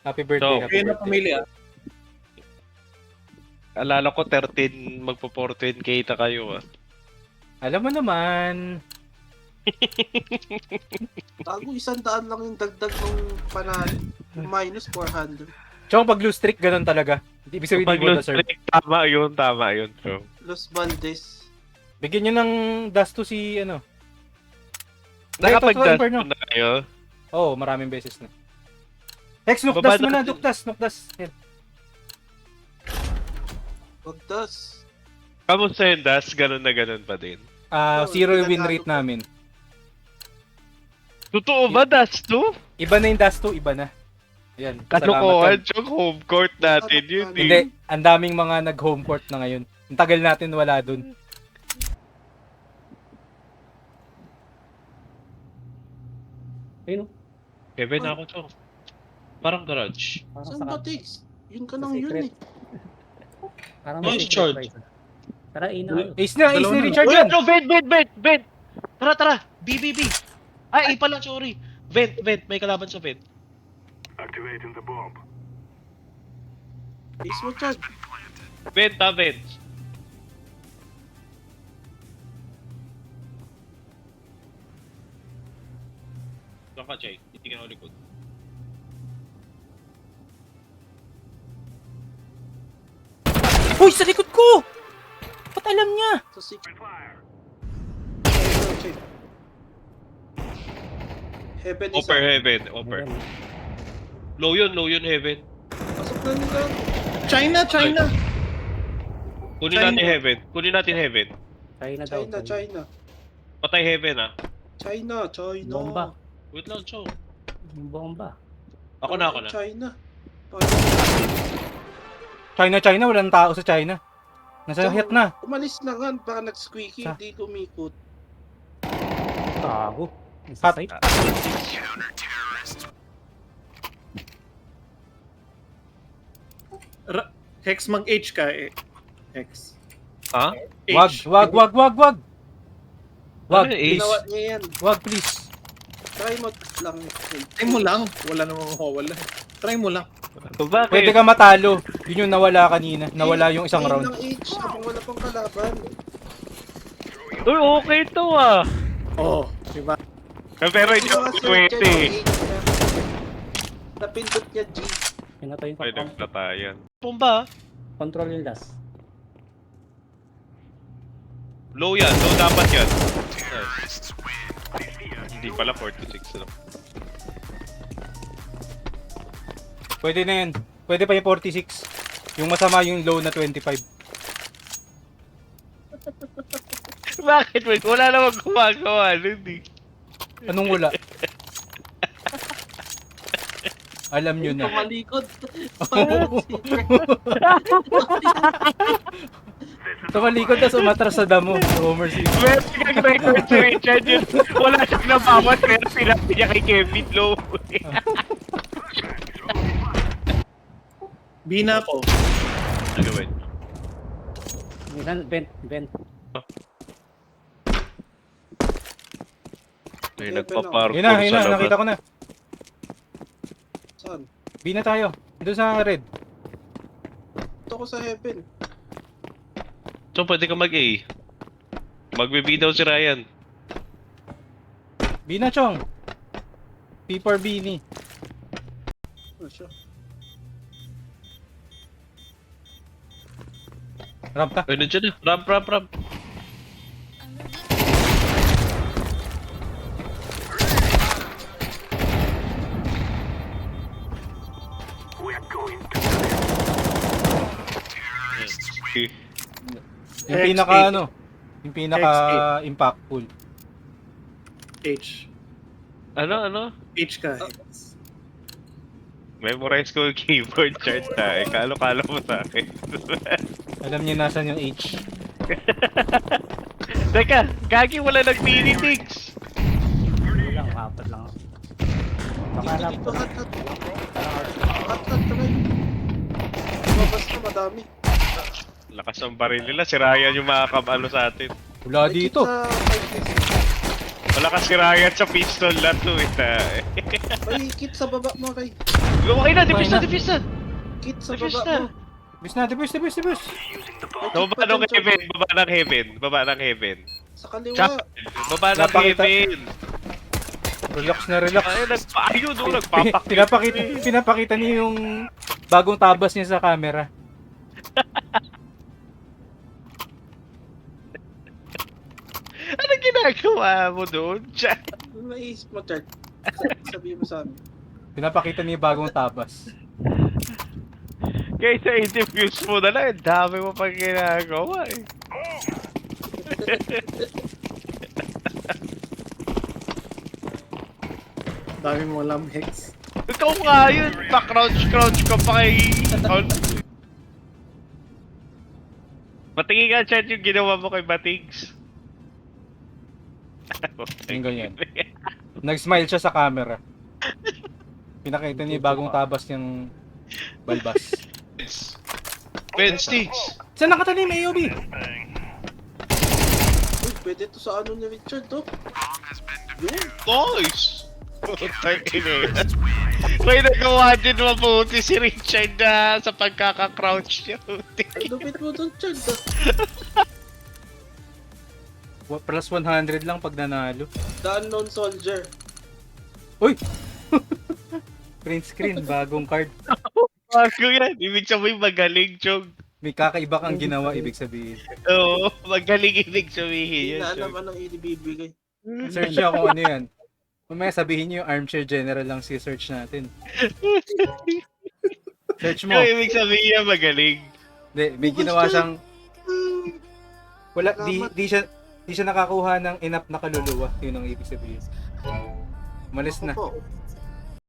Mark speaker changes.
Speaker 1: Happy birthday,
Speaker 2: So,
Speaker 1: happy
Speaker 3: Kayo na
Speaker 1: birthday.
Speaker 3: pumili ah.
Speaker 2: alala ko 13, magpo-14K na kayo ah.
Speaker 1: Alam mo naman.
Speaker 4: Tago 100 lang yung dagdag ng panalo. Minus 400.
Speaker 1: Tsaka pag lose streak, ganun talaga. Hindi ibig sabihin
Speaker 2: Pag
Speaker 1: hindi mo
Speaker 2: lost
Speaker 1: deserve.
Speaker 2: streak, tama yun. So,
Speaker 4: Los Valdez.
Speaker 1: Bigyan nyo ng dust to si ano.
Speaker 2: nakapag-dust
Speaker 1: Inferno.
Speaker 2: na kayo.
Speaker 1: Oo, maraming beses na. Hex,
Speaker 2: Baba
Speaker 1: nukdas mo na,
Speaker 2: natin.
Speaker 1: nukdas. Yan.
Speaker 4: Pagdas.
Speaker 2: Kamusta yung dust? Ganun na ganun pa din.
Speaker 4: Oo,
Speaker 1: Zero yung win
Speaker 4: pinatalo
Speaker 1: rate
Speaker 4: pa.
Speaker 1: namin.
Speaker 2: Totoo ba dust to?
Speaker 1: Iba na yung dust to, iba na. Yan.
Speaker 2: Kalokohan yung home court natin yun eh.
Speaker 1: Hindi, ang daming mga nag-home court na ngayon. Ang tagal natin wala dun.
Speaker 5: Ayun,
Speaker 2: Kevin ako to. Parang garage.
Speaker 5: parang
Speaker 4: Saan ba, Tix? Yun ka
Speaker 5: sa
Speaker 4: nang yun
Speaker 5: secret.
Speaker 4: eh.
Speaker 5: Parang
Speaker 3: Oh,
Speaker 5: may
Speaker 3: charge.
Speaker 5: secret prize. Tara, ina kayo.
Speaker 1: Ace na
Speaker 3: Dalawa na.
Speaker 1: Richard
Speaker 2: Uy,
Speaker 1: yan!
Speaker 2: no, vent! Tara! B. Ay, A pala, sorry. Vent. May kalaban sa vent.
Speaker 4: Ace mo, Chad.
Speaker 2: Vent. Saan ka, Chay? Hindi ka na likod.
Speaker 1: Uy, sa likod ko! Ba't alam niya?
Speaker 4: Sa secret. Heaven is
Speaker 2: Upper
Speaker 4: up.
Speaker 2: heaven. Low yun, heaven.
Speaker 4: Pasok na nila.
Speaker 3: China!
Speaker 2: Kunin
Speaker 3: China.
Speaker 2: natin heaven.
Speaker 5: China daw.
Speaker 4: China.
Speaker 2: Patay heaven ah.
Speaker 4: China.
Speaker 5: Bomba.
Speaker 2: Wait lang, Chow.
Speaker 5: Yung bomba.
Speaker 2: Ako na.
Speaker 4: China.
Speaker 1: China, walang tao sa China. Nasa hit na.
Speaker 4: Umalis na nga. Baka nag-squeaky.
Speaker 1: Sa-
Speaker 4: Hindi lumikot.
Speaker 5: Tago.
Speaker 1: Pat.
Speaker 5: Site.
Speaker 3: Hex mag-H ka eh. Hex.
Speaker 2: Ha?
Speaker 3: H.
Speaker 1: Wag. Wag,
Speaker 2: Ano yung
Speaker 1: please.
Speaker 4: Ginawa niya yan.
Speaker 1: Wag, please.
Speaker 4: Try mo lang.
Speaker 3: Try mo lang. Wala namang mawawala. Try mo lang.
Speaker 2: Bakit?
Speaker 1: Pwede ka matalo. Yun yung nawala kanina. Nawala yung isang
Speaker 4: Ayun
Speaker 1: round.
Speaker 4: ng H. Habang wala pang kalaban.
Speaker 2: Uy, okay to ah.
Speaker 3: Oo. Diba?
Speaker 2: Pero hindi ako pwede.
Speaker 4: Napindot niya G.
Speaker 5: Pinatay ko.
Speaker 2: Ay, nagtatayan. Pumba.
Speaker 5: Control yung last.
Speaker 2: Low dapat yan. Nice. Hindi pala 46 lang.
Speaker 1: Pwede na yan. Pwede pa yung 46. Yung masama yung low na 25.
Speaker 2: Bakit? Wait, wala namang gumagawa. Hindi.
Speaker 1: Anong wala? Alam nyo na.
Speaker 4: Pamalikod.
Speaker 1: Tumalikod na umatras sa damo. Homer Simpson.
Speaker 2: Meron kang record si Richard yun. Wala siyang nabawas pero sinabi niya kay Kevin Low.
Speaker 3: Bina po.
Speaker 2: Ano ba?
Speaker 5: Vent.
Speaker 2: May nagpa-parkour
Speaker 1: Yun na,
Speaker 2: sa labas.
Speaker 1: nakita ko na.
Speaker 4: Saan?
Speaker 1: B na tayo. Doon sa red.
Speaker 4: Ito ko sa heaven.
Speaker 2: So, pwede ka mag-A. Magbe-B daw si Ryan.
Speaker 1: B na, Chong. P for B ni.
Speaker 4: Ano siya?
Speaker 1: Ramp ka.
Speaker 2: Ay, nandiyan na. Ramp. Yes.
Speaker 1: Yung
Speaker 3: Hex
Speaker 1: pinaka
Speaker 3: eight.
Speaker 1: ano. Yung pinaka impactful.
Speaker 3: H.
Speaker 2: Ano?
Speaker 3: H ka.
Speaker 2: Memorize ko yung keyboard chart na. Kalo-kalo mo sa akin.
Speaker 1: Alam niyo nasan yung H.
Speaker 2: Teka, gagi wala nag-mini-tix.
Speaker 5: Hindi lang, apat lang. Baka alam
Speaker 4: Dito
Speaker 5: ko.
Speaker 4: hat. Hat try. Lumabas na madami.
Speaker 2: Lakas ng baril nila. Si Ryan yung makakabalo sa atin.
Speaker 1: Wala dito.
Speaker 4: Sa 5 days.
Speaker 2: Wala kasi Ryan sa pistol na to eh.
Speaker 4: Ay, kit sa baba mo, Ray.
Speaker 2: Okay na, defuse na, defuse na!
Speaker 4: Kit sa
Speaker 2: Defuse
Speaker 4: baba
Speaker 2: na!
Speaker 4: mo.
Speaker 1: Bis na, debus.
Speaker 4: May kit
Speaker 2: Baba
Speaker 4: pa
Speaker 2: ng
Speaker 4: dyan, Chor.
Speaker 2: heaven, baba ng heaven, baba ng heaven.
Speaker 4: Sa kaliwa.
Speaker 2: Chop, baba ng
Speaker 1: Napakita-
Speaker 2: heaven.
Speaker 1: Relax na relax.
Speaker 2: Ay, ayun, nagpapakita.
Speaker 1: Pinapakita niya yung bagong tabas niya sa camera.
Speaker 2: Ano ginagawa mo doon, Chad?
Speaker 4: Naisip mo, Chad. Sabihin mo sa amin.
Speaker 1: Pinapakita niya yung bagong tabas.
Speaker 2: Kaysa i-defuse mo na lang, ang dami mo pang ginagawa eh.
Speaker 3: Dami mo alam, Hex.
Speaker 2: Ikaw nga yun, pa-crouch ka pa kay... Matingin ka, Chad, yung ginawa mo kay Batigs.
Speaker 1: Yung ganyan. Nag-smile siya sa camera. Pinakita niya yung bagong tabas niyang balbas.
Speaker 2: Ben, Sticks!
Speaker 1: Saan nakatanim, AOB?
Speaker 4: Uy, pwede to sa ano ni Richard, to. Yun.
Speaker 2: Nice! Putang ina. May nagawa din mabuti si Richard na sa pagkaka-crouch niya.
Speaker 4: Ang lupit mo doon, Chad.
Speaker 1: Plus 100 lang pag nanalo.
Speaker 4: The Unknown Soldier.
Speaker 1: Uy! Print screen, bagong card.
Speaker 2: Bago yan. Ibig sabihin magaling, Chog.
Speaker 1: May kakaiba kang ginawa, ibig sabihin.
Speaker 2: Oo, magaling ibig
Speaker 4: Hindi
Speaker 2: sabihin
Speaker 4: na
Speaker 2: yan,
Speaker 4: alam
Speaker 2: Chog.
Speaker 4: anong ibibigay.
Speaker 1: Search niya kung ano yan. Mamaya sabihin niyo yung armchair general lang si search natin. Search mo.
Speaker 2: Yung ibig sabihin niya magaling.
Speaker 1: Hindi, may ginawa siyang... Wala, di siya nakakuha ng enough na kaluluwa. Yun ang ibig sabihin. Umalis na.
Speaker 4: Opo.